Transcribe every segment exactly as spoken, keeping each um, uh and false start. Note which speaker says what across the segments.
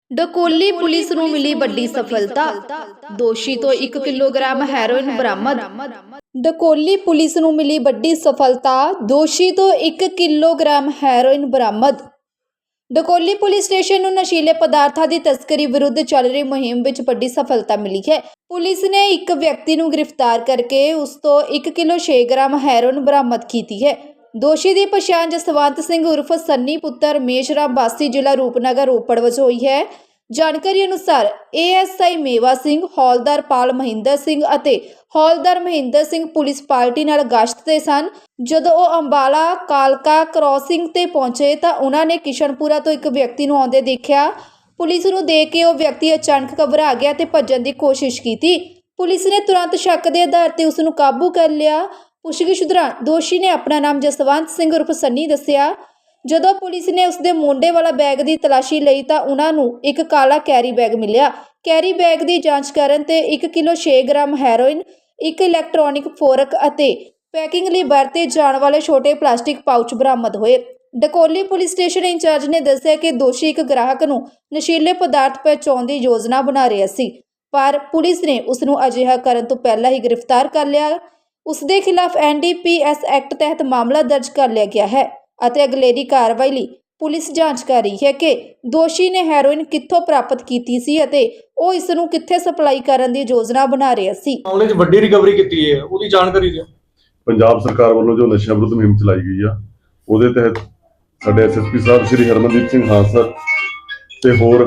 Speaker 1: ਡਕੌਲੀ police ਨੂੰ ਮਿਲੀ ਵੱਡੀ ਸਫਲਤਾ। ਦੋਸ਼ੀ ਤੋਂ ਇੱਕ ਕਿਲੋਗ੍ਰਾਮ ਹੈਰੋਇਨ ਬਰਾਮਦ। ਡਕੌਲੀ ਪੁਲਿਸ ਨੂੰ ਮਿਲੀ ਵੱਡੀ ਸਫਲਤਾ। ਦੋਸ਼ੀ ਤੋਂ ਇੱਕ ਕਿਲੋਗ੍ਰਾਮ ਹੈਰੋਇਨ ਬਰਾਮਦ। ਡਕੌਲੀ ਪੁਲਿਸ ਸਟੇਸ਼ਨ ਨੂੰ ਨਸ਼ੀਲੇ ਪਦਾਰਥਾਂ ਦੀ ਤਸਕਰੀ ਵਿਰੁੱਧ ਚੱਲ ਰਹੀ ਮੁਹਿੰਮ ਵਿੱਚ ਵੱਡੀ ਸਫਲਤਾ ਮਿਲੀ ਹੈ। ਪੁਲਿਸ ਨੇ ਇੱਕ ਵਿਅਕਤੀ ਨੂੰ ਗ੍ਰਿਫਤਾਰ ਕਰਕੇ ਉਸ ਤੋਂ ਇੱਕ ਕਿਲੋ ਛੇ ਗ੍ਰਾਮ ਹੈਰੋਇਨ ਬਰਾਮਦ ਕੀਤੀ ਹੈ। ਦੋਸ਼ੀ ਦੀ ਪਛਾਣ ਜਸਵੰਤ ਸਿੰਘ ਉਰਫ ਸੰਨੀ ਪੁੱਤਰ ਰਮੇਸ਼ ਰਾਮ ਵਾਸੀ ਜ਼ਿਲ੍ਹਾ ਰੂਪਨਗਰ ਰੋਪੜ ਵਜੋਂ ਹੋਈ ਹੈ। ਜਾਣਕਾਰੀ ਅਨੁਸਾਰ ਏ ਐਸ ਆਈ ਮੇਵਾ ਸਿੰਘ, ਹੌਲਦਾਰ ਪਾਲ ਮਹਿੰਦਰ ਸਿੰਘ ਅਤੇ ਹੌਲਦਾਰ ਮਹਿੰਦਰ ਸਿੰਘ ਪੁਲਿਸ ਪਾਰਟੀ ਨਾਲ ਗਸ਼ਤ ਤੇ ਸਨ। ਜਦੋਂ ਉਹ ਅੰਬਾਲਾ ਕਾਲਕਾ ਕ੍ਰਾਸਿੰਗ ਤੇ ਪਹੁੰਚੇ ਤਾਂ ਉਹਨਾਂ ਨੇ ਕਿਸ਼ਨਪੁਰਾ ਤੋਂ ਇੱਕ ਵਿਅਕਤੀ ਨੂੰ ਆਉਂਦੇ ਦੇਖਿਆ। ਪੁਲਿਸ ਨੂੰ ਦੇਖ ਕੇ ਉਹ ਵਿਅਕਤੀ ਅਚਾਨਕ ਘਬਰਾ ਗਿਆ ਤੇ ਭੱਜਣ ਦੀ ਕੋਸ਼ਿਸ਼ ਕੀਤੀ। ਪੁਲਿਸ ਨੇ ਤੁਰੰਤ ਸ਼ੱਕ ਦੇ ਆਧਾਰ ਤੇ ਉਸ ਨੂੰ ਕਾਬੂ ਕਰ ਲਿਆ। ਪੁੱਛਗਿੱਛ ਦੌਰਾਨ ਦੋਸ਼ੀ ਨੇ ਆਪਣਾ ਨਾਮ ਜਸਵੰਤ ਸਿੰਘ ਉਰਫ ਸੰਨੀ ਦੱਸਿਆ। ਜਦੋਂ ਪੁਲਿਸ ਨੇ ਉਸ ਦੇ ਮੁੰਡੇ ਵਾਲਾ ਬੈਗ ਦੀ ਤਲਾਸ਼ੀ ਲਈ ਤਾਂ ਉਹਨਾਂ ਨੂੰ ਇੱਕ ਕਾਲਾ ਕੈਰੀ ਬੈਗ ਮਿਲਿਆ। ਕੈਰੀ ਬੈਗ ਦੀ ਜਾਂਚ ਕਰਨ ਤੇ ਇੱਕ ਕਿਲੋ ਛੇ ਗ੍ਰਾਮ ਹੈਰੋਇਨ, ਇੱਕ ਇਲੈਕਟ੍ਰੋਨਿਕ ਫੋਰਕ ਅਤੇ ਪੈਕਿੰਗ ਲਈ ਵਰਤੇ ਜਾਣ ਵਾਲੇ ਛੋਟੇ ਪਲਾਸਟਿਕ ਪਾਊਚ ਬਰਾਮਦ ਹੋਏ। ਡਕੌਲੀ ਪੁਲਿਸ ਸਟੇਸ਼ਨ ਇੰਚਾਰਜ ਨੇ ਦੱਸਿਆ ਕਿ ਦੋਸ਼ੀ ਇੱਕ ਗ੍ਰਾਹਕ ਨੂੰ ਨਸ਼ੀਲੇ ਪਦਾਰਥ ਪਹੁੰਚਾਉਣ ਦੀ ਯੋਜਨਾ ਬਣਾ ਰਿਹਾ ਸੀ, ਪਰ ਪੁਲਿਸ ਨੇ ਉਸ ਨੂੰ ਅਜਿਹਾ ਕਰਨ ਤੋਂ ਪਹਿਲਾਂ ਹੀ ਗ੍ਰਿਫਤਾਰ ਕਰ ਲਿਆ। ਉਸ ਦੇ ਖਿਲਾਫ N D P S act ਤਹਿਤ ਮਾਮਲਾ ਦਰਜ ਕਰ ਲਿਆ ਗਿਆ ਹੈ ਅਤੇ ਅਗਲੇਰੀ ਕਾਰਵਾਈ ਲਈ ਪੁਲਿਸ ਜਾਂਚ ਕਰ ਰਹੀ ਹੈ ਕਿ ਦੋਸ਼ੀ ਨੇ ਹੈਰੋਇਨ ਕਿੱਥੋਂ ਪ੍ਰਾਪਤ ਕੀਤੀ ਸੀ ਅਤੇ ਉਹ ਇਸ ਨੂੰ ਕਿੱਥੇ ਸਪਲਾਈ ਕਰਨ ਦੀ ਯੋਜਨਾ ਬਣਾ ਰਿਹਾ ਸੀ।
Speaker 2: ਮਾਮਲੇ 'ਚ ਵੱਡੀ ਰਿਕਵਰੀ ਕੀਤੀ ਹੈ, ਉਹਦੀ ਜਾਣਕਾਰੀ ਦਿਓ।
Speaker 3: ਪੰਜਾਬ ਸਰਕਾਰ ਵੱਲੋਂ ਜੋ ਨਸ਼ਾ ਵਿਰੁੱਧ ਮੁਹਿੰਮ ਚਲਾਈ ਗਈ ਆ, ਉਹਦੇ ਤਹਿਤ ਸਾਡੇ ਐਸ ਐਸ ਪੀ ਸਾਹਿਬ ਸ਼੍ਰੀ ਹਰਮਨਦੀਪ ਸਿੰਘ ਹਾਂਸਰ ਤੇ ਹੋਰ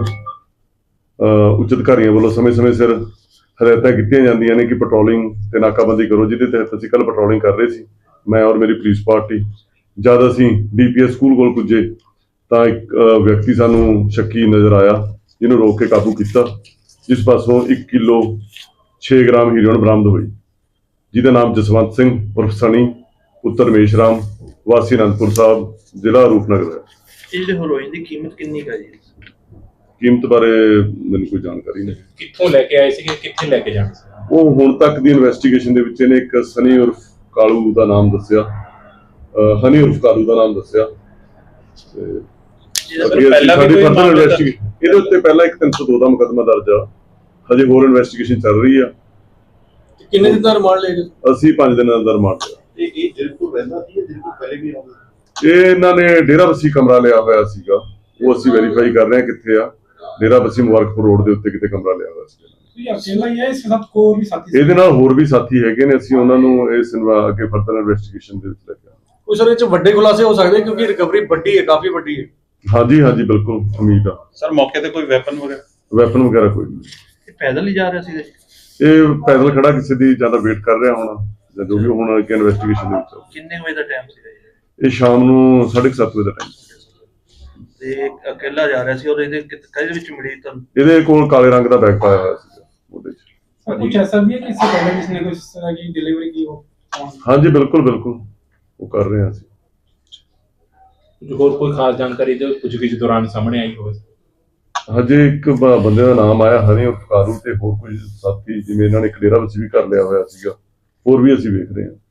Speaker 3: ਉੱਚ ਅਧਿਕਾਰੀਆਂ ਵੱਲੋਂ ਸਮੇਂ-ਸਮੇਂ ਸਿਰ ਹਦਾਇਤਾਂ ਕੀਤੀਆਂ ਜਾਂਦੀਆਂ ਨੇ ਕਿ ਪੈਟਰੋਲਿੰਗ ਤੇ ਨਾਕਾਬੰਦੀ ਕਰੋ, ਜਿਹਦੇ ਤਹਿਤ ਅਸੀਂ ਕੱਲ ਪੈਟਰੋਲਿੰਗ ਕਰ ਰਹੇ ਸੀ, ਮੈਂ ਔਰ ਮੇਰੀ ਪੁਲਿਸ ਪਾਰਟੀ। ਜਦ ਅਸੀਂ ਡੀ ਪੀ ਐਸ ਸਕੂਲ ਕੋਲ ਪੁੱਜੇ ਤਾਂ ਇੱਕ ਵਿਅਕਤੀ ਸਾਨੂੰ ਸ਼ੱਕੀ ਨਜ਼ਰ ਆਇਆ, ਜਿਹਨੂੰ ਰੋਕ ਕੇ ਕਾਬੂ ਕੀਤਾ, ਜਿਸ ਪਾਸੋਂ ਇੱਕ ਕਿਲੋ ਛੇ ਗ੍ਰਾਮ ਹੀਰੋਇਨ ਬਰਾਮਦ ਹੋਈ, ਜਿਹਦਾ ਨਾਮ ਜਸਵੰਤ ਸਿੰਘ ਉਰਫ ਸਨੀ ਪੁੱਤਰ ਰਮੇਸ਼ ਰਾਮ ਵਾਸੀ ਅਨੰਦਪੁਰ ਸਾਹਿਬ ਜ਼ਿਲ੍ਹਾ ਰੂਪਨਗਰ ਹੈ।
Speaker 2: ਇਹ ਜਿਹੜੀ ਹੈਰੋਇਨ ਦੀ ਕੀਮਤ ਕਿੰਨੀ ਹੈ ਜੀ?
Speaker 3: ਕੀਮਤ ਬਾਰੇ ਮੈਨੂੰ ਕੋਈ ਜਾਣਕਾਰੀ ਨਹੀਂ।
Speaker 4: ਕਿੱਥੋਂ ਲੈ ਕੇ ਆਏ ਸੀ, ਕਿੱਥੇ ਲੈ ਕੇ ਜਾਣਾ ਸੀ?
Speaker 3: ਉਹ ਹੁਣ ਤੱਕ ਦੀ ਇਨਵੈਸਟੀਗੇਸ਼ਨ ਦੇ ਵਿੱਚ ਇਹਨੇ ਇੱਕ ਸਨੀ ਉਰਫ ਕਾਲੂ ਦਾ ਨਾਮ ਦੱਸਿਆ, ਹਨੀ ਉਰਫ ਕਾਲੂ ਦਾ ਨਾਮ ਦੱਸਿਆ। ਇਹਦੇ ਉੱਤੇ ਪਹਿਲਾਂ ਇੱਕ ਤਿੰਨ ਸੌ ਦੋ ਦਾ ਮੁਕੱਦਮਾ ਦਰਜ ਆ, ਹਜੇ ਹੋਰ ਇਨਵੈਸਟੀਗੇਸ਼ਨ ਚੱਲ ਰਹੀ ਆ।
Speaker 2: ਕਿੰਨੇ ਦਿਨ ਦਾ ਰਿਮਾਂਡ ਲਏ ਗਏ?
Speaker 3: ਅਸੀਂ ਪੰਜ ਦਿਨਾਂ ਦਾ ਰਿਮਾਂਡ ਲਿਆ।
Speaker 5: ਇਹ ਇਹ ਜਲਪੁਰ ਰਹਿੰਦਾ ਸੀ, ਜਲਪੁਰ ਪਹਿਲੇ ਵੀ ਆਉਂਦਾ?
Speaker 3: ਇਹ ਇਹਨਾਂ ਨੇ ਡੇਰਾ ਬੱਸੀ ਕਮਰਾ ਲਿਆ ਹੋਇਆ ਸੀਗਾ, ਉਹ ਅਸੀਂ ਵੈਰੀਫਾਈ ਕਰ ਰਹੇ ਹਾਂ ਕਿੱਥੇ ਆ। ਡੇਰਾ ਬੱਸੀ ਮੁਬਾਰਕਪੁਰ ਰੋਡ ਦੇ ਉੱਤੇ ਕਿਤੇ ਕਮਰਾ ਲਿਆ ਹੋਇਆ ਸੀ। ਇਹਦੇ ਨਾਲ ਹੋਰ ਵੀ ਸਾਥੀ ਹੈਗੇ ਨੇ, ਅਸੀਂ ਉਹਨਾਂ ਨੂੰ ਇਸ ਅੱਗੇ ਫਰਦਰ ਇਨਵੈਸਟੀਗੇਸ਼ਨ ਦੇ ਵਿੱਚ ਲੈ ਕੇ ਆਵਾਂਗੇ।
Speaker 2: ਕੋਈ ਸਰ ਇਹ 'ਚ ਵੱਡੇ ਖੁਲਾਸੇ ਹੋ ਸਕਦੇ ਕਿਉਂਕਿ ਰਿਕਵਰੀ ਵੱਡੀ ਹੈ, ਕਾਫੀ ਵੱਡੀ ਹੈ।
Speaker 3: ਹਾਂਜੀ ਹਾਂਜੀ ਬਿਲਕੁਲ ਉਮੀਦ ਆ।
Speaker 4: ਸਰ ਮੌਕੇ ਤੇ ਕੋਈ ਵੈਪਨ ਵਗੈਰਾ
Speaker 3: ਵੈਪਨ ਵਗੈਰਾ ਕੋਈ ਨਹੀਂ।
Speaker 2: ਇਹ ਪੈਦਲ ਹੀ ਜਾ ਰਿਹਾ ਸੀ?
Speaker 3: ਇਹ ਪੈਦਲ ਖੜਾ ਕਿਸੇ ਦੀ ਜ਼ਿਆਦਾ ਵੇਟ ਕਰ ਰਿਹਾ ਹੋਣਾ, ਜੋ ਵੀ ਹੁਣ ਅੱਗੇ ਇਨਵੈਸਟੀਗੇਸ਼ਨ ਦੇ ਵਿੱਚ।
Speaker 2: ਕਿੰਨੇ ਵਜੇ ਦਾ ਟਾਈਮ ਸੀ
Speaker 3: ਇਹ ਸ਼ਾਮ ਨੂੰ ਸਾਢੇ ਸੱਤ ਵਜੇ ਦਾ ਟਾਈਮ ਸੀ
Speaker 2: ਤੇ ਇਕੱਲਾ ਜਾ ਰਿਹਾ ਸੀ ਔਰ ਇਹਦੇ ਕਿਹਦੇ ਵਿੱਚ ਮਿਲੀ ਤੁਹਾਨੂੰ?
Speaker 3: ਇਹਦੇ ਕੋਲ ਕਾਲੇ ਰੰਗ ਦਾ ਬੈਗ ਪਾਇਆ ਹੋਇਆ ਸੀ ਉਹਦੇ ਵਿੱਚ।
Speaker 6: सर कुछ ऐसा भी है कि इससे पहले किसी ने कुछ इस तरह की डिलीवरी की हो?
Speaker 3: हाँ जी बिल्कुल बिल्कुल वो कर रहे हैं ਅਸੀਂ।
Speaker 4: ਹੋਰ ਕੋਈ ਖਾਸ ਜਾਣਕਾਰੀ ਦੇ ਕੁਝ ਵੀ ਦੌਰਾਨ ਸਾਹਮਣੇ ਆਈ ਹੋਵੇ?
Speaker 3: ਹਜੇ ਇੱਕ ਬੰਦੇ ਦਾ ਨਾਮ ਆਇਆ ਹਨੀ ਉਰਫ ਕਾਲੂ, ਤੇ ਹੋਰ ਕੋਈ ਸਾਥੀ ਜਿਵੇਂ ਇਹਨਾਂ ਨੇ ਇੱਕ ਡੇਰਾ ਵਿੱਚ ਵੀ ਕਰ ਲਿਆ ਹੋਇਆ ਸੀਗਾ, ਹੋਰ ਵੀ ਅਸੀਂ ਵੇਖ ਰਹੇ ਹਾਂ।